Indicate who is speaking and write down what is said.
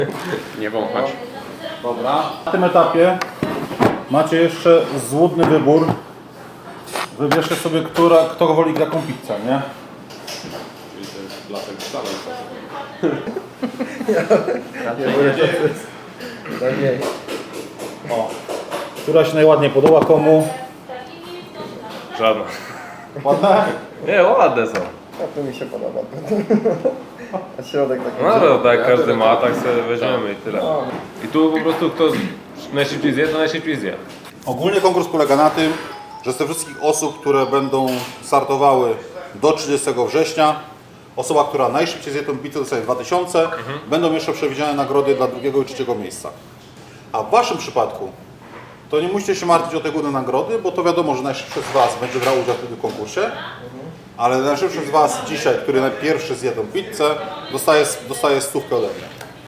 Speaker 1: Nie wąchać.
Speaker 2: Dobra. Na tym etapie macie jeszcze złudny wybór. Wybierzcie sobie, kto woli jaką pizzę, nie?
Speaker 1: Czyli to jest blasek z salą.
Speaker 2: O. Która się najładniej podoba komu?
Speaker 1: Żadna.
Speaker 2: Ładne?
Speaker 1: Nie, ładne są.
Speaker 3: A to mi się podoba. A środek taki...
Speaker 1: No ale tak każdy ma, tak sobie weźmiemy i tyle. I tu po prostu kto najszybciej zje, to najszybciej zje.
Speaker 2: Ogólnie konkurs polega na tym, że z tych wszystkich osób, które będą startowały do 30 września, osoba, która najszybciej zje tą pizzę, dostaje 2000, będą jeszcze przewidziane nagrody dla drugiego i trzeciego miejsca. A w waszym przypadku to nie musicie się martwić o te górne nagrody, bo to wiadomo, że najszybszy z was będzie brał udział w tym konkursie, ale najszybszy z was dzisiaj, który najpierwszy zje tą pizzę, dostaje stówkę ode mnie.